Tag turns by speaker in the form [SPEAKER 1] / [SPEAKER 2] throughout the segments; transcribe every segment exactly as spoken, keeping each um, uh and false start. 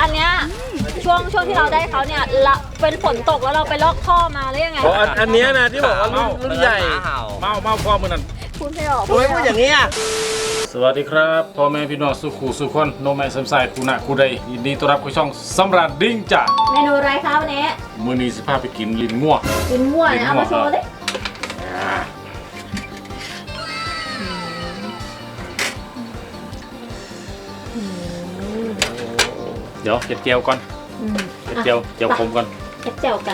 [SPEAKER 1] อันเนี้ยช่วงช่วงที่เราได้เขาเนี่ยละเป็นฝนตกแล้วเราไปลอกท่อมาหรือยังไง
[SPEAKER 2] อ๋ออันอันเนี้ยนะที่บอกว่ารุ่นรุ่นใหญ่
[SPEAKER 3] เมาเมาพ่อมือนั่น
[SPEAKER 1] พูดไม่ออก
[SPEAKER 3] ทำไมพูดอย่างนี้อ่ะ
[SPEAKER 2] สวัสดีครับพ่อแม่พี่น้องสุขุสุขคนโนแมนสมสายคูนะคูใดยินดีต้อนรับเข้าช่องสำราญดิ้งจ้ะ
[SPEAKER 1] เมนูอะไรคะวันนี้
[SPEAKER 2] มื้อนี้สิพาไปกินลิ้นง่วง
[SPEAKER 1] กินมั่วนะเอามาโชว์ดิ
[SPEAKER 2] เดี๋ยวเก็บเจียวก่อนเก็บเจียวเจียวขมก่อน
[SPEAKER 1] เอ็ดเจียวกัน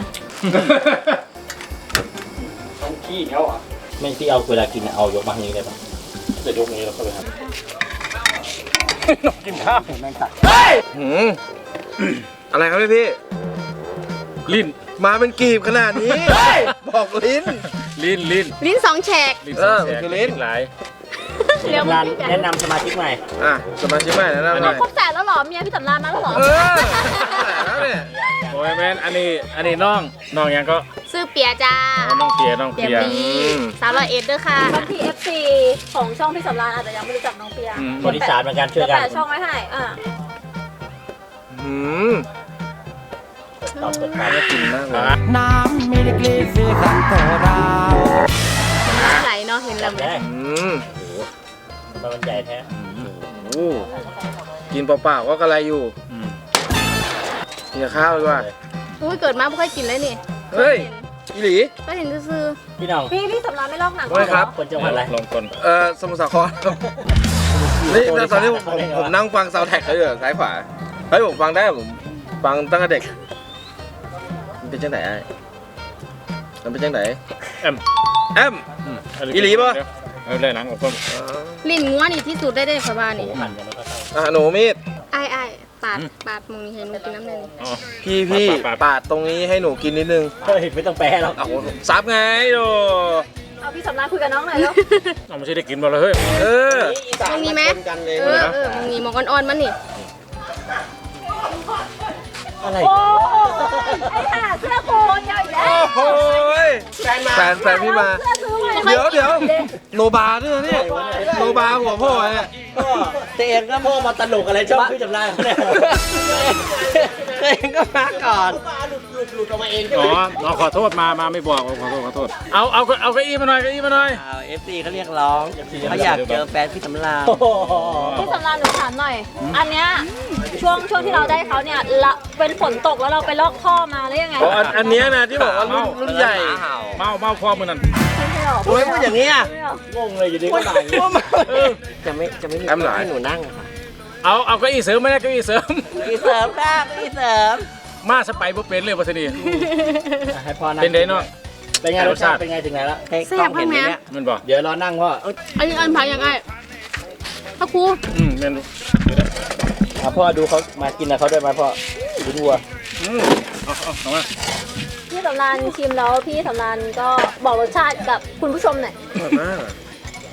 [SPEAKER 2] ต้องขี้เขาอ่ะไม่ที่เอาเวลากินเอายกมาทางนี้ได้ปะจะยกนี้แล้วเข้าไปครับนกกินข้าวแมงตัด
[SPEAKER 3] หืมอะไรครับพี่พี่
[SPEAKER 2] ลิ้น
[SPEAKER 3] มาเป็นกีบขนาดนี้ บอกลิ้น
[SPEAKER 2] ลิ้นลิ้น
[SPEAKER 4] ลิ้นสองแฉก
[SPEAKER 2] ลิ้น
[SPEAKER 3] เอ
[SPEAKER 2] สอง
[SPEAKER 3] อ
[SPEAKER 2] แส
[SPEAKER 3] มัน
[SPEAKER 2] น
[SPEAKER 3] คือลิ้น
[SPEAKER 2] หลาย
[SPEAKER 4] เดี๋ยวมึง
[SPEAKER 5] แนะนำสมาชิกใหม่
[SPEAKER 3] อ่ะสมาชิกใหม่นะนะหน่อย
[SPEAKER 1] ครบแสนแล้วเหรอเมียพี่สำราญมาแล้วเหรอ
[SPEAKER 3] เออแล้วเนี่ย
[SPEAKER 2] โอ้ยแมนอันนี้อันนี้น้องน้องยังก็
[SPEAKER 4] ซื้อเปียจ้า
[SPEAKER 2] อ๋อน้องเปียน้อง
[SPEAKER 4] เปีย
[SPEAKER 2] เปีย
[SPEAKER 4] ปีสาวร้อยเอ็ดด้วยค่ะ
[SPEAKER 1] บางที เอฟ ซี ของช่องพี่สำราญอาจจะยังไม่รู้จักน้องเปีย
[SPEAKER 2] อืม
[SPEAKER 5] คนอีสานเหมือนกันช่วยกัน
[SPEAKER 1] แต่ช่องไว้ให้อ่ะ
[SPEAKER 3] หืม
[SPEAKER 5] ตอบกฎหมาย
[SPEAKER 3] น่ากินมากเลย
[SPEAKER 6] น้ำมีเล็กๆสีขันโตดาว
[SPEAKER 4] น้ำไหลเนาะเห็นแล้วไหม
[SPEAKER 5] ได้
[SPEAKER 3] อืม
[SPEAKER 5] ทำไมมันใหญ่แท้
[SPEAKER 3] โอ้กินเปล่าๆก็กระไรอยู่
[SPEAKER 2] อืม
[SPEAKER 3] กินกับข้าวดีกว่า
[SPEAKER 4] อุ้ยเกิดมาไม่ค่อยกินเลยนี่
[SPEAKER 3] เฮ้ยอีหลี
[SPEAKER 4] ก็เห็นซื้อ
[SPEAKER 5] พี่น้อง
[SPEAKER 1] พี่พี่สำราญไม่ลอกหนัง
[SPEAKER 3] ว่าไงครับ
[SPEAKER 5] คนจังหวัดอะไร
[SPEAKER 2] ลองก่อน
[SPEAKER 3] เอ่อสมุทรสาครครับนี่ตอนนี้ผมผมผมนั่งฟังซาวด์แท็กเขาอยู่ซ้ายขวาเฮ้ยผมฟังได้ผมฟังตั้งแต่เด็กมันเป็นจังไหนไอ้มันเป็นจังไหน
[SPEAKER 2] แอม
[SPEAKER 3] แอม
[SPEAKER 2] อืม
[SPEAKER 3] อีหลีปะ
[SPEAKER 2] เอาเลยหนังออกก่อน
[SPEAKER 4] ๆลิ้นงัวนี่ที่สุดได้ได้ขอบ้านนี่
[SPEAKER 5] หั่นกันแล้วก็เข้า
[SPEAKER 3] อ่ะหนูมีด
[SPEAKER 4] ไอ้ไอ้ปาดปาดมึงนี่เห็นมึงกินน้ำเลยนี่
[SPEAKER 2] อ๋อ
[SPEAKER 3] พี่พี่ปาดตรงนี้ให้หนูกินนิดนึง
[SPEAKER 5] เฮ้ยไม่ต้องแปลหรอก
[SPEAKER 3] เอาซับไงโด
[SPEAKER 1] เอาพี่สำราญคุยกับน้องหน่อยแล้ว
[SPEAKER 2] เอาไม่ใช่ได้กินบ่เลยเฮ้ย
[SPEAKER 3] เออ
[SPEAKER 4] มึงมีไหมเออเออมึงมีหมอกอ่อนๆมันนี่
[SPEAKER 5] อะไร
[SPEAKER 1] โอ้ไอ้ห่าเสื้อโคนยาวอีกแล้ว
[SPEAKER 3] โอ้ยแฟนมาแฟนแฟนพี่มา
[SPEAKER 1] เสื้อซื้อมา
[SPEAKER 3] เดี๋ยวเดี๋ยวโนบาด้วยนะเนี่ยโนบาหัวพ่อเนี่ย
[SPEAKER 5] ก็ตัวเองก็พ่อมาตลกอะไรชอบพี่จำได้เนี่ยตัวเองก็มาก่อนหลุดหลุดหลุดออกมาเอง
[SPEAKER 2] อ๋อเราขอโทษมามาไม่บอกขอโทษขอโทษเอาเอาเอาเก้าอี้มาหน่อยเก้าอี้มาหน่อย
[SPEAKER 6] เอฟซีเขาเรียกร้องเขาอยากเจอแฟนพี่สำราญ
[SPEAKER 5] โอ้โห
[SPEAKER 1] พี่สำราญหนูถามหน่อย อันเนี้ยช่วงช่วงที่เราได้เขาเนี่ยละเป็นฝนตกแล้วเราไปลอกท่อมาหรือยังไง
[SPEAKER 2] อ๋ออันอันเนี้ยนะที่บอกว่ารุ่นรุ่นใหญ่เมาเมาพ่อมือนั่น
[SPEAKER 1] พูดไม่ออก
[SPEAKER 6] ทำไมพูดอย่างนี้อ่ะ
[SPEAKER 1] พูดไม่ออก
[SPEAKER 5] งงเลยอยู่ดีก็ด่าอย่างนี้
[SPEAKER 6] จะไม่จะไม่มีให้หนูนั่งอะค่ะ
[SPEAKER 2] เอาเอาเก้าอี้เสริมไม่ได้เก้าอี้เสริม
[SPEAKER 6] พี่เสริมค่ะพี่เสริม
[SPEAKER 2] มาสไปบ่เป็นเลยวัสดี
[SPEAKER 5] ให้พ่อนั่ง
[SPEAKER 2] เป็นไดเนาะ
[SPEAKER 5] เป็นไงรสชาติเป็นไงถึงไหนแล้ว
[SPEAKER 6] ให้กล้องเห็นไหมเนี่ย
[SPEAKER 2] มันบอก
[SPEAKER 5] เดี๋ยวรอนั่งพ่อเอ้ย
[SPEAKER 4] อันนี้อันพังยังไงพระครู
[SPEAKER 2] อืมแม่นดู
[SPEAKER 5] อ่ะพ่อดูเขามากินนะเขาด้วยไหมพ่อดูวัว
[SPEAKER 2] อืมเอาเอาเอามา
[SPEAKER 1] พี่สำราญชิมแล้วพี่สำราญก็บอกรสชาติกับคุณผู้ชมหน่อย
[SPEAKER 3] อร่อยมากอะ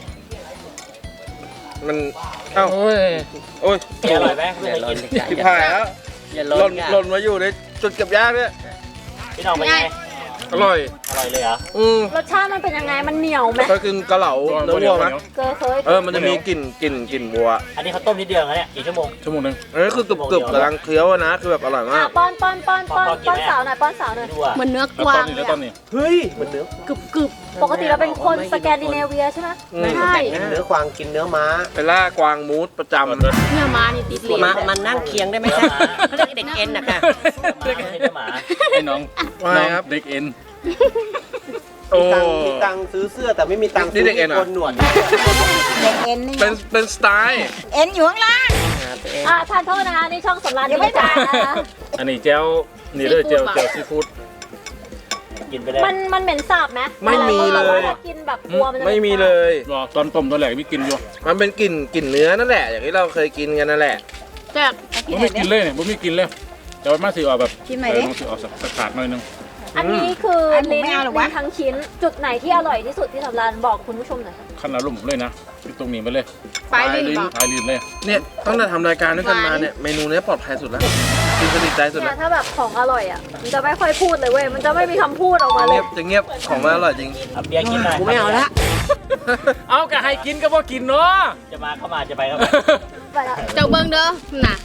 [SPEAKER 3] มันเอ้า
[SPEAKER 2] โอ้ย
[SPEAKER 3] โอ้ย
[SPEAKER 5] อร่อยไหมไม่
[SPEAKER 6] อย่า
[SPEAKER 5] เคย
[SPEAKER 6] ล
[SPEAKER 5] กิ
[SPEAKER 6] น
[SPEAKER 5] น
[SPEAKER 3] ทิพายแล้ว
[SPEAKER 6] อย่า
[SPEAKER 3] ห
[SPEAKER 6] ล
[SPEAKER 3] ล่
[SPEAKER 6] น
[SPEAKER 3] น
[SPEAKER 6] ค่ะ
[SPEAKER 3] หล่นมาอยู่ในจุดเก็บยากเนี่ย
[SPEAKER 5] พี่น้องเป็นไง
[SPEAKER 3] อร่อย
[SPEAKER 5] อร่อยเลยเหรอ
[SPEAKER 3] อืม
[SPEAKER 1] รสชาติมันเป็นยังไงมันเหนียวไหม
[SPEAKER 3] เคยกินกะเหลาเนื้อวัวไหม
[SPEAKER 1] เคยเคย
[SPEAKER 3] เออมันจะมีกลิ่นกลิ่นกลิ่นวัว
[SPEAKER 5] อันนี้เขาต้มนิดเดียวนะเนี่ยกี่ชั่วโมง
[SPEAKER 2] ชั่วโมงหนึง
[SPEAKER 3] อันนี้คือกรึบกรึบกำลังเคี้ยวอะนะคือแบบอร่อย
[SPEAKER 1] อ่ะ
[SPEAKER 3] มาก
[SPEAKER 1] ป้อนป้อนป้อนป้อน
[SPEAKER 5] ป้อนกิน
[SPEAKER 1] ป้อน
[SPEAKER 5] ไหม
[SPEAKER 1] สาวหน่อยป้อนสาวหน่อย
[SPEAKER 5] ดูอ่ะ
[SPEAKER 4] เหมือนเนื้อ
[SPEAKER 2] แล้ว
[SPEAKER 4] กวา
[SPEAKER 2] ตอง นนี้
[SPEAKER 4] เล
[SPEAKER 2] แล้ว
[SPEAKER 4] ย
[SPEAKER 2] ตอ
[SPEAKER 4] อะ
[SPEAKER 2] นนี้
[SPEAKER 6] เฮ้ยมันเนื้อก
[SPEAKER 4] รึบกรึบ
[SPEAKER 1] ปกติเราเป็นคนสแกนดิเนเวียใช่ไหม
[SPEAKER 3] อืม
[SPEAKER 4] ใช่
[SPEAKER 6] เนื้อควางกินเนื้อม้า
[SPEAKER 3] เป็นล่ากวางมูสประจำ
[SPEAKER 4] เนื้อมานี่ติดลิ้น
[SPEAKER 6] มามันนั่งเคียงได้ไหมคะเขาเรียกเด็กเอ็นนะคะ
[SPEAKER 5] ไม่ใช่เนื้อหมา
[SPEAKER 2] ไอ้น้อง
[SPEAKER 3] ว่า
[SPEAKER 2] น้
[SPEAKER 3] ไง
[SPEAKER 2] อง
[SPEAKER 3] ครับ
[SPEAKER 2] เด็กเอ็น
[SPEAKER 3] โอ้
[SPEAKER 6] มีตังค์ซื้อเสื้อแต่ไม่มีตังค์
[SPEAKER 3] นี่เด็กเอ็นเหรอ
[SPEAKER 6] โกนหนวด
[SPEAKER 1] เด็กเอ็นนี่
[SPEAKER 3] เป็นเป็นสไตล์
[SPEAKER 1] เอ็นอยู่ข้างล่าง
[SPEAKER 6] หาตัวเอง
[SPEAKER 1] อ่ะทานโทษนะคะนี่ช่องสำราญยังไม่จ่ายนะ
[SPEAKER 2] อันนี้เจ้านี่เลยเจ้าเจ้าซีฟู้ด
[SPEAKER 5] กินไปได้
[SPEAKER 1] มันมันเหม็นสาบไหม
[SPEAKER 3] ไม่มีเลย
[SPEAKER 1] ถ้ากินแบบกลัวมันจะ
[SPEAKER 3] ไม่มีเลย
[SPEAKER 2] บอกตอนต้มตอนแรกมีกินอยู่
[SPEAKER 3] มันเป็นกลิ่นกลิ่นเนื้อนั่นแหละ อย่างที่เราเคยกินกันนั่นแหละ
[SPEAKER 4] แซ่บ
[SPEAKER 2] ผมไม่กินเลยเนี่ยผมไม่กินเลยแต่ว่ามาสิออกแบบ
[SPEAKER 1] กินใหม่ดิ
[SPEAKER 2] เออมันสิออกสักสักขาดหน่อยนึง
[SPEAKER 1] อันนี้คือลิ้นลิ้นทั้งชิ้น จุดไหนที่อร่อยที่สุดที่สำราญบอกคุณผู้ชมหน่อย
[SPEAKER 2] ขั้นอารมณ์ผมเลยนะที่ตรงนี้ไปเลย
[SPEAKER 4] ปลายลิ้นป่ะ
[SPEAKER 2] ท้ายลิ้นเลย
[SPEAKER 3] เนี่ยตั้งแต่ทำรายการด้วยกันมาเนี่ยเมนูเนี้ยปลอดภัยสุดแล้วกินสนิทใจสุด
[SPEAKER 1] เนี่
[SPEAKER 3] แล้
[SPEAKER 1] ยว ถ้าแบบของอร่อยอ่ะมันจะไม่ค่อยพูดเลยเว้ยมันจะไม่มีคำพูดออกมาเล
[SPEAKER 3] เงี
[SPEAKER 1] ย
[SPEAKER 3] ยบจะเงียบของมันอร่อยจริง
[SPEAKER 5] เอาเบียร์กินหน่อย
[SPEAKER 6] กูไม่เอาละ
[SPEAKER 2] เอากะให้กินก็บ่กินเนาะ
[SPEAKER 5] จะมาเข้ามาจะไปเข้ามา
[SPEAKER 1] ไปละ
[SPEAKER 4] เจ้าเบิ้งเด้อน่ะ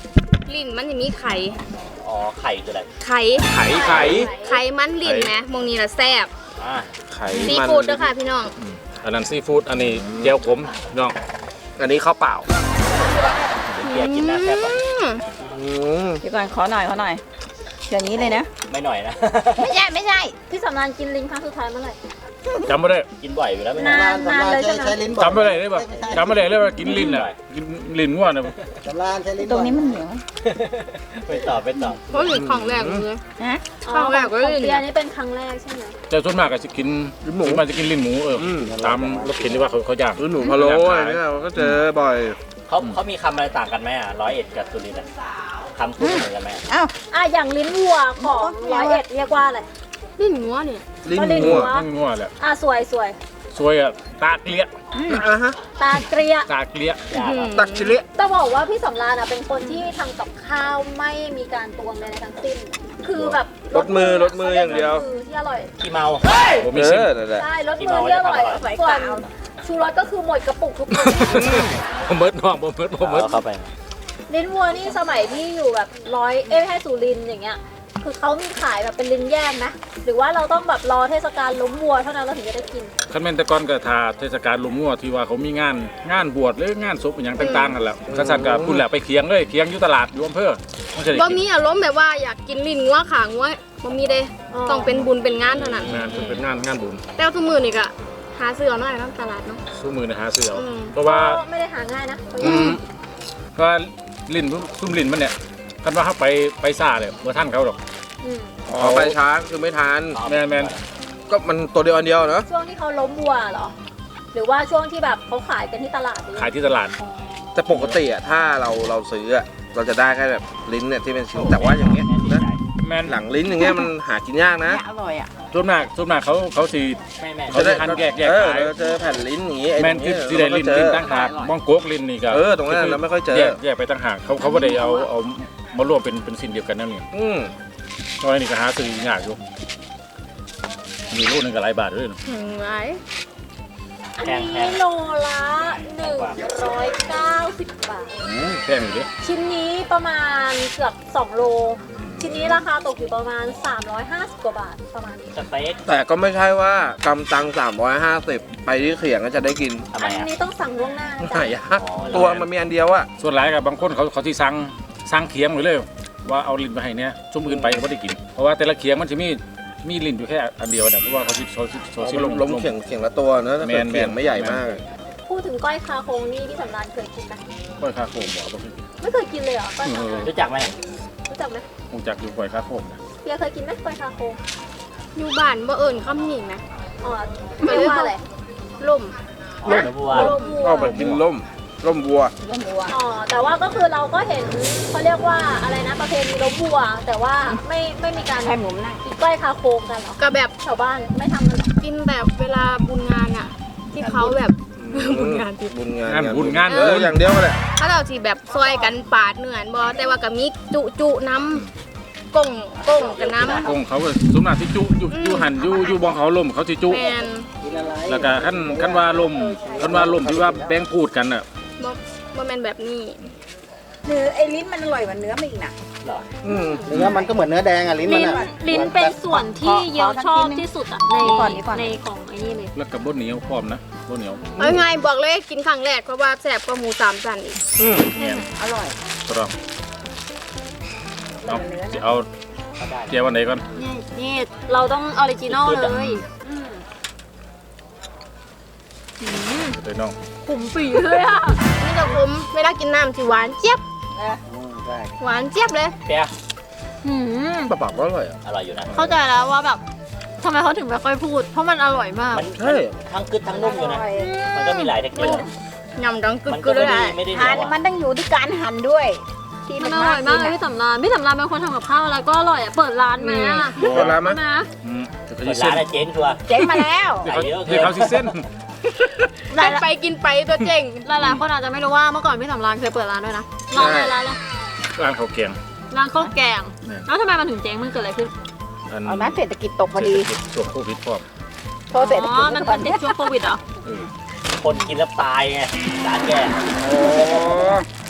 [SPEAKER 4] ลิ้นมันจะมีไข่
[SPEAKER 5] อ๋อไข่คืออะไร
[SPEAKER 4] ไข่
[SPEAKER 3] ไข่ไข่
[SPEAKER 4] ไข่มันลิ้นนะมองนี้ละแซ่บ
[SPEAKER 5] อ่า
[SPEAKER 3] ไข่
[SPEAKER 4] ซี
[SPEAKER 3] มัน
[SPEAKER 4] ฟู้ดด้วยค่ะพี่น้อง
[SPEAKER 2] อันนั้นซีฟู้ดอันนี้เจียวขมน้อง
[SPEAKER 3] อันนี้ข้าวเปล่า
[SPEAKER 5] เบียร์กินนะแซ่บปะ
[SPEAKER 3] อืม
[SPEAKER 1] เดี๋ยวก่อนขอหน่อยขอหน่อยเดี๋ยวนี้เลยนะ
[SPEAKER 5] ไม่หน่อยนะ
[SPEAKER 1] ไม่ใช่ไม่ใช่พี่สำรานกินลิงครั้งสุดท้ายเมื่อไหร่
[SPEAKER 2] จำไม่ได้
[SPEAKER 5] กินบ่อยอยู่แล้วไม่
[SPEAKER 1] นาน
[SPEAKER 5] นาน
[SPEAKER 1] นานเลยใช่ไหม
[SPEAKER 2] จำไม่ได้เลยป่ะจำไม่ได้เลยว่ากินลิ้นอ่ะกินลิ้นง่วนะ
[SPEAKER 1] ตรงนี้มันเหนียว
[SPEAKER 5] ไปตอบไปตอบ
[SPEAKER 4] เพราะลิ้นของแรกเลย
[SPEAKER 1] ฮะ
[SPEAKER 4] ครั้งแรกก็
[SPEAKER 1] ของ
[SPEAKER 4] ลิ้น
[SPEAKER 1] เบียร์นี่เป็นครั้งแรกใช่ไหม
[SPEAKER 2] แต่ส่วนมากก็จะกินลิ้นหมูมันจะกินลิ้นหมูเอออตามรถเข็นที่ว่าเขาเขาย่าง
[SPEAKER 3] หรือหนูพะโล้อะไรเนี่ยเราก็เจอบ่อย
[SPEAKER 5] เขาเขามีคำอะไรต่างกันไหมอ่ะร้อยเอ็ดกับสุรินทร์อะคำพูดเหมือนกันไหม
[SPEAKER 1] อ้าวอ่ะอย่างลิ้นวัวของร้อยเอ็ดเรียกว่าอะไร
[SPEAKER 4] ลิ้นงัวเนี่ย
[SPEAKER 3] ลิ้น
[SPEAKER 1] ก็ลิ้น
[SPEAKER 3] งัว
[SPEAKER 1] หัว
[SPEAKER 2] ลิ้นง่วแหละ
[SPEAKER 1] อ่ะสวยสวย
[SPEAKER 2] สวยอ่ะตาเกลี้ย
[SPEAKER 3] อ่ะฮะ
[SPEAKER 1] ตาเกลีย
[SPEAKER 2] ตาเกลี้ย
[SPEAKER 5] ยากอะ
[SPEAKER 3] ตักชิเละ
[SPEAKER 1] ต้องบอกว่าพี่สำรานอ่ะเป็นคนที่ทำกับข้าวไม่มีการตวงใดๆทั้งสิ้น คือแบบ
[SPEAKER 3] รถมือรถมืออย่างเดียว
[SPEAKER 1] รถมือที่อร่อย
[SPEAKER 5] ขี้เมา
[SPEAKER 2] ผม
[SPEAKER 3] เอ
[SPEAKER 2] มีซิม
[SPEAKER 3] อนั่นแหละ
[SPEAKER 1] ใช่รถมือที่อร่อยส่วนชูรสก็คือหมดกระปุกทุกคน
[SPEAKER 2] ผมเบิร์ดน้องผมเบิร์ดผมเบิร์ด
[SPEAKER 5] เอาเข้าไป
[SPEAKER 1] ลิ้นวัวนี่สมัยที่อยู่แบบร้อยเอ้ยไม่ใช่สุรินทร์อย่างเงี้ย คือเขามีขายแบบเป็นลิ้นแยกนะ หรือว่าเราต้องแบบรอเทศกาลล้มวัวเท่านั้นเราถึงจะได้กิน
[SPEAKER 2] คันแม่นแตะกอนก็ทาเทศกาลลุมงัวที่ว่าเขามีงานงานบวชหรืองานศพอย่างต่างๆกันแหล้วข้าสันกับพุ่นแหละไปเคียงเลยเคียงอยู่ตลาดอยู่อำเภอไม่ใช่ได้
[SPEAKER 4] บ่
[SPEAKER 2] กิน
[SPEAKER 4] มีอารมณ์แบบว่าอยากกินลิ้นงัวขางัวบ่มีเด้
[SPEAKER 1] อ๋อ
[SPEAKER 4] ต้องเป็นบุญเป็นงานเท่านั้น
[SPEAKER 2] งานเป็นงานงานบุญ
[SPEAKER 4] แต่ว่าทุกมื้อนี่ก็หาซื้อเอาหน่อยเนาะตลาดเนาะ
[SPEAKER 2] สู้มือนะหาเสือเอา
[SPEAKER 4] อืม
[SPEAKER 2] เพราะว่า
[SPEAKER 1] ก็ไม่ได้หาง่ายนะ
[SPEAKER 2] อืมเพราะว่าลิ้นซุ่มลิ้นมันเนี่ยคันว่าเขาไปไปซ่าเลยเมื่อท่านเขาหรอก
[SPEAKER 1] อืม
[SPEAKER 3] อ๋อไปช้าคือไม่ทาน
[SPEAKER 2] แมนแมน
[SPEAKER 3] ก็มันตัวเดียวอันเดียวเนอะ
[SPEAKER 1] ช่วงที่เขาล้มวัวเหรอ หรือว่าช่วงที่แบบเขาขายกันที่ตลาดหรือ
[SPEAKER 2] ขายที่ตลาด
[SPEAKER 1] อ๋อ
[SPEAKER 3] แต่ปกติอะถ้าเราเราซื้ออะเราจะได้แค่แบบลิ้นเนี่ยที่เป็นชิ้นแต่ว่าอย่างเงี้ยนะ
[SPEAKER 2] แมน
[SPEAKER 3] หลังลิ้นอย่างเงี้ยมันหากินยากนะ
[SPEAKER 1] อร่อยอ่ะ
[SPEAKER 2] ส่วนมากส่วนมากเขาเขาสี
[SPEAKER 5] ไม่แม่
[SPEAKER 2] เขาจะหั่นแยกแยก
[SPEAKER 3] เออ
[SPEAKER 2] ขาย
[SPEAKER 3] เราเจอแผ่นลิ้นอย่างงี้ไอ้
[SPEAKER 2] แมน
[SPEAKER 3] ตรง
[SPEAKER 2] คือ
[SPEAKER 3] เนี้ย
[SPEAKER 2] สีได้ลิ้น
[SPEAKER 3] เรา
[SPEAKER 2] ลิ้น
[SPEAKER 3] ไม่
[SPEAKER 2] ตั้งหากมองโกกลิ้นนี่ก็
[SPEAKER 3] เออตรงนั้นเราไม่ค่อยเจอ
[SPEAKER 2] แยกแยกไปตั้งหากเขาเขาไม่ได้เอาเอามารวมเป็นเป็นสิ่งเดียวกันนั่นเอง
[SPEAKER 3] อืม
[SPEAKER 2] ตอนนี้ก็หาซื้อยากอยู่มีลูกหนึงก็หลายบาทด้วยนะ
[SPEAKER 4] ถึงไว้
[SPEAKER 1] อันนี้โลละหนึ่งร้อยเก้าสิบบาท
[SPEAKER 2] อืมแพงอยู่ดิ
[SPEAKER 1] ชิ้นนี้ประมาณเกือบสองโล ชิ้นนี้ราคาตกอยู่ประมาณสามร้อยห้าสิบกว่าบาทประมาณนี้
[SPEAKER 5] สเต็ก
[SPEAKER 3] แต่ก็ไม่ใช่ว่ากำตังสามร้อยห้าสิบไปที่เขียงก็จะได้กิน
[SPEAKER 5] ทำไม
[SPEAKER 1] อัน
[SPEAKER 5] อ่ะ
[SPEAKER 1] นี้ต้องสั่งล่วงหน้านะ
[SPEAKER 3] หา
[SPEAKER 1] จ๊ะ
[SPEAKER 3] ยากตัวมันมีอันเดียวอะ
[SPEAKER 2] ส่วนหลายกับบางคนเขาเขาที่สั่งสั่งเคียงไว้เลย ว่าเอาลิ้นไปให้เนี่ยชุ่มอื่นไปเขาไม่ได้กิน เพราะว่าแต่ละเคียงมันจะมีมีลิ้นอยู่แค่อันเดียวนะเพราะว่าเขาสิเขาสิเขาสิ
[SPEAKER 3] ล้
[SPEAKER 2] ล
[SPEAKER 3] ม
[SPEAKER 2] ง
[SPEAKER 3] ล้มเขียงเขียงละตัวเนอะถ้าเกิด
[SPEAKER 2] แมน
[SPEAKER 3] เขียงไม่ใหญ่
[SPEAKER 2] แมน
[SPEAKER 3] มาก
[SPEAKER 1] พูดถึงก้อยคาโคงนี่พี่สำรานเคยกินไหม
[SPEAKER 2] ก้อยคาโคมบอกว่า
[SPEAKER 1] ไม่เคยกินเลยเหรอก้อยคาโคง
[SPEAKER 5] รู้จักไหม
[SPEAKER 1] รู้จักไหม
[SPEAKER 2] คงจักอยู่ก้อยคาโคมนะ
[SPEAKER 1] เบียร์เคยกินไหมก้อยคาโคง
[SPEAKER 4] อยู่บ้านบ่เอิ้นคำนี้นะ
[SPEAKER 1] อ๋อเรียกว่าอะไร
[SPEAKER 4] ล่ม
[SPEAKER 5] เนื้อวัว
[SPEAKER 1] โลวัว
[SPEAKER 3] ก็แบบกินล่มล่มวัว
[SPEAKER 1] อ๋อแต่ว่าก็คือเราก็เห็นเขาเรียกว่าอะไรนะประเพณีล้มวัว แต่ว่าไม่ไม่มีการให้หมุนนะกินก้อยคาโคงกันเหรอ
[SPEAKER 4] ก็แบบ
[SPEAKER 1] ชาวบ้านไม่ทำกันหรอ
[SPEAKER 4] กินแบบเวลาบุญงานอะที่เขาแบบ บุญงานที่
[SPEAKER 3] บุญงาน
[SPEAKER 2] งานบุญงาน
[SPEAKER 3] เอออย่างเดียวกันแหละ
[SPEAKER 4] เขาเราที่แบบซอยกันปาดเนื้อนบ่แต่ว่าก็มีจุจุน้ำก้งก้งกับน้ำ
[SPEAKER 2] คงเขาก็สมนาที่จุอยู่อยู่หันอยู่อยู่บองเขาลมเขาสิจุ
[SPEAKER 4] แมน
[SPEAKER 2] แล้วก็ขั้นขั้นว่าลมขั้นว่าลมที่ว่าแบ่งพูดกันอ่ะ
[SPEAKER 4] บ่บ่แมนแบบนี้
[SPEAKER 7] เนื้อไอ้ลิ้นมันอร่อยกว่าเนื้อมันอีกนะ
[SPEAKER 5] เหรอ
[SPEAKER 3] อืม
[SPEAKER 8] เนื้อมันก็เหมือนเนื้อแดงอะลิ้นมัน
[SPEAKER 1] ลิ้น
[SPEAKER 8] อะ
[SPEAKER 1] ลิ้นเป็นส่วนที่เยียวชอบที่สุดอะใน
[SPEAKER 7] ก่อนนี้ก่อน
[SPEAKER 1] ในของไอ้นี่เลย
[SPEAKER 2] แล้วกับบดเหนียวพร้อมนะบดเหนียว
[SPEAKER 4] เอาไงายบอกเลยกินครั้งแรกเพราะว่าแซ่บกว่าหมูสามชั้นอีก
[SPEAKER 3] อืม
[SPEAKER 2] เนี่ย
[SPEAKER 7] อร่อย
[SPEAKER 2] ตรองเอาจะเอา
[SPEAKER 5] เขาได้
[SPEAKER 2] เจียววันไหนก่อน
[SPEAKER 1] นี่นี่เราต้องออริจินอลเลยอืม
[SPEAKER 2] เดี๋ยวน้อง
[SPEAKER 1] ขุมปีเลยอะ
[SPEAKER 4] นี่จะคุ้มเวลากินน้ำสิหวานเจี๊ยบ
[SPEAKER 8] อืมใช่
[SPEAKER 4] หวานเจี๊ยบเลย
[SPEAKER 5] เปีย
[SPEAKER 1] อืม
[SPEAKER 3] ปลาปากก็อร่อยอ่ะ
[SPEAKER 5] อร่อยอยู่นะ
[SPEAKER 1] เข้าใจแล้วว่าแบบทำไมเขาถึงไม่ค่อยพูด เพราะมันอร่อยมาก
[SPEAKER 5] มัน
[SPEAKER 3] ใช่
[SPEAKER 5] ทั้งกึดทั้งนุ่มอยู่นะ มันก็มีหลายเทคนิค
[SPEAKER 4] ยำดังกึ
[SPEAKER 5] มัน
[SPEAKER 4] ก
[SPEAKER 5] ก็
[SPEAKER 4] ๆเล
[SPEAKER 5] ไม่
[SPEAKER 4] ย
[SPEAKER 5] ได้
[SPEAKER 4] อะ
[SPEAKER 5] ไม่ได้เหนี
[SPEAKER 7] หั่
[SPEAKER 5] ย
[SPEAKER 7] น
[SPEAKER 5] วอะ
[SPEAKER 7] มันต้องอยู่ที่การหั่นด้วย ที่
[SPEAKER 1] มั
[SPEAKER 7] มัน น
[SPEAKER 1] อร่อยมากเลย
[SPEAKER 7] กิน
[SPEAKER 1] พี่สำรานพี่สำรานเป็นคนทำกับข้าวอะไรก็อร่อยอะเปิดร้านไหมอะ
[SPEAKER 3] เปิดร้านไหม
[SPEAKER 1] นะ
[SPEAKER 2] อืมเดี๋ยวเขา
[SPEAKER 5] เปิ
[SPEAKER 2] สิ
[SPEAKER 5] ด
[SPEAKER 2] เส้
[SPEAKER 5] ร้าน นอะเจ๊งชัวร์
[SPEAKER 7] เจ๊งมาแล้ว
[SPEAKER 2] เดี๋ยวเขา
[SPEAKER 5] ใส่เยอะเกิน
[SPEAKER 2] เดี๋ยวเขาสิเส้น
[SPEAKER 1] หลาย
[SPEAKER 4] กินไปกินไปตัวเจ๋ง
[SPEAKER 1] หลายๆคนอาจจะไม่รู้ว่าเมื่อก่อนพี่สำรานเคยเปิดร้านด้วยนะร้านอะไรร้านอะไร
[SPEAKER 2] ร้านข้าวแกง
[SPEAKER 1] ร้านข้าวแกง
[SPEAKER 2] เนี่ย
[SPEAKER 1] แล้วทำไมมันถึงเจ๊งมันเกิดอะไรขึ้น
[SPEAKER 2] อัน
[SPEAKER 7] เอานะเศรษฐกิจตกพอดี
[SPEAKER 2] เศรษฐกิจช่วงโควิดพร้อม
[SPEAKER 7] เพราะเศรษฐ
[SPEAKER 1] อ๋
[SPEAKER 7] กิจ
[SPEAKER 1] อ มันติดช่วงโควิดเหรอ
[SPEAKER 2] เออ
[SPEAKER 5] คนกินแล้วตายไงร้านแก
[SPEAKER 3] โอ้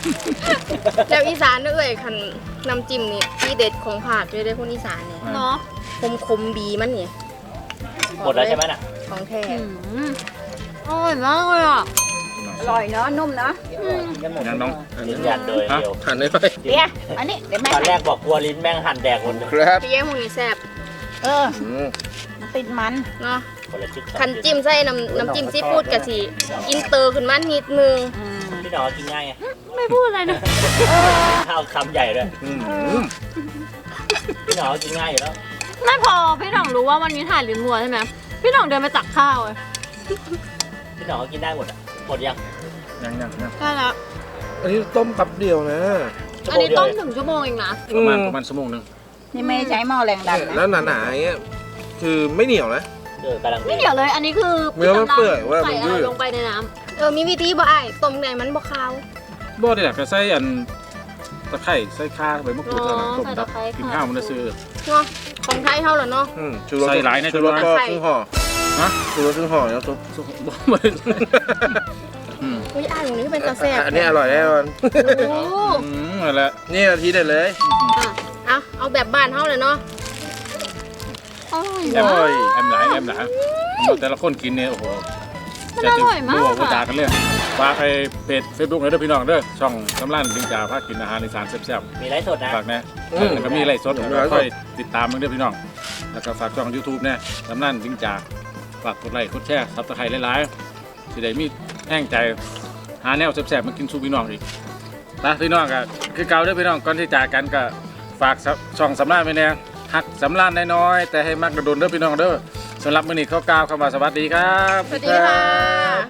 [SPEAKER 4] แล้วอีสานเอ้ยคันน้ำจิ้มนี่ที่เด็ดของภาคเลยได้คนอีสานนี่
[SPEAKER 1] เนาะ
[SPEAKER 4] คมคมๆบีมันนี่
[SPEAKER 5] หมดแล้วใช่ไหมน่ะ
[SPEAKER 4] ของแท้
[SPEAKER 1] อืมอร่อยมากเลยอ่ะ
[SPEAKER 7] อร่อยเนาะนุ่มเนาะ
[SPEAKER 2] งั้นน้อง
[SPEAKER 5] ยืนยันโดยเดียว
[SPEAKER 3] หันได้ไหม
[SPEAKER 7] เดี๋ยวอันนี้เดี๋ยวแม่
[SPEAKER 5] ตอนแรกบอกกลัวลิ้นแม่งหั่นแดกหมดเลย
[SPEAKER 3] ครับ
[SPEAKER 4] พี่แย้มพวกนี้แซ่บ
[SPEAKER 7] เออ
[SPEAKER 3] อืม
[SPEAKER 7] มันติดมัน
[SPEAKER 4] เนาะ
[SPEAKER 5] คนละจิ๊กสอง
[SPEAKER 4] คันจิ้มใส่น้ำน้ำจิ้มซีฟู้ดกะสิอินเตอร์ขึ้นมานิดนึง
[SPEAKER 7] อืม
[SPEAKER 5] พี่หนอกินง่ายไง
[SPEAKER 1] ไม่พูดอะไรเลย
[SPEAKER 5] ข้าวคำใหญ่ด้วย
[SPEAKER 3] อืม
[SPEAKER 5] พี่หนอกินง่ายอยู่แล้ว
[SPEAKER 1] ไม่พอพี่หน่องรู้ว่าวันนี้ถ่ายลิ้นวัวใช่ไหมพี่หน่องเดินไปตักข้าวเลย
[SPEAKER 5] พี่หนอกินได้หมดอ่ะหมดยัง
[SPEAKER 2] ยังยังยัง
[SPEAKER 1] ใช่แล้ว
[SPEAKER 3] อันนี้ต้มแป๊บเดียวนะ
[SPEAKER 1] อันนี้ต้มถึงชั่วโมงเองนะ
[SPEAKER 2] ประมาณประมาณชั่วโมงหนึง
[SPEAKER 7] นี่ไม่ได้ใช้หม้อแรงดัน
[SPEAKER 3] แล้
[SPEAKER 7] นะ
[SPEAKER 3] วหนาๆอย่างเงี้ยคือไม่เหนียวนะ
[SPEAKER 5] เออกำลังดี
[SPEAKER 1] ไม่เดี๋ยวเลย อันนี้คือ
[SPEAKER 3] เนื้อมันเปื่อยเว้ย
[SPEAKER 1] ใส่
[SPEAKER 3] มัน
[SPEAKER 1] อะ
[SPEAKER 3] ยื
[SPEAKER 1] ไร
[SPEAKER 3] ด
[SPEAKER 1] ลงไปในน้
[SPEAKER 4] เออมีวิธีบ่อ้ายต้มไงมันบ่คาว
[SPEAKER 2] บ่ได้อยากจะใส่อันตะไคร้ใส่ข่าใบมะกรูดเท่านั้นต้มดับกินข้าวมันจะซื้อ
[SPEAKER 4] เนาะของไทยเท่าแล้วเนาะ
[SPEAKER 3] อืมชูรส
[SPEAKER 2] ใส่หลายนะ
[SPEAKER 3] ชูรสก็
[SPEAKER 4] ใส่
[SPEAKER 3] ครึ่งห่อ
[SPEAKER 2] ฮะ
[SPEAKER 3] ชูรสครึ่งห่อแล้วซุป
[SPEAKER 2] บ่บ่ได้อืม
[SPEAKER 4] อุ้ยอ้ายของนี้เป็นตาแซ่บ
[SPEAKER 3] อันนี้อร่อยแน่นอน
[SPEAKER 1] ำโอ้
[SPEAKER 2] อืมนั่นแหละ
[SPEAKER 3] นี่นาทีเด็ดเลย
[SPEAKER 4] เอาเอาแบบบ้านเท่าเลยเนาะ
[SPEAKER 1] อร่อย
[SPEAKER 2] แอม
[SPEAKER 1] มาก
[SPEAKER 2] แอมหลายแอมหลายเอาแต่ละคนกินเนี่ยโอ้โห
[SPEAKER 1] มันอร่อยมาก
[SPEAKER 2] จะ
[SPEAKER 1] อะ
[SPEAKER 2] จะด่ากันเลยฝากไปเพจเฟซบุ๊กเลยเด้อพี่น้องเด้อช่องสำรานดิงจ่าพากินอาหารอีสานแซ่บ
[SPEAKER 5] มีไลฟ์สดนะ
[SPEAKER 2] ๆฝากนะ
[SPEAKER 3] อืม
[SPEAKER 2] แล้วก็มีไลฟ์สด
[SPEAKER 3] มีไลฟ์สด
[SPEAKER 2] ค่อยติดตามมึงเด้อพี่น้องแล้วก็ฝากช่อง YouTube เนี่ยสำรานดิงจ่าฝากกดไลค์กดแชร์ซับสไครต์หลายๆสิได้มีแห้งใจหาแนวแซ่บๆมากินสู่พี่น้องอีกนะพี่น้องก็คือเก่าเด้อพี่น้องก่อนที่จากกันก็ฝากช่องสำรานไว้แน่ฮักสำรานน้อยๆแต่ให้มักกระโดนเด้อพี่น้องเด้อสำหรับมื้อนี้เขากล่าวคำว่าสวัสดีครับ
[SPEAKER 4] สวัสดีค่ะ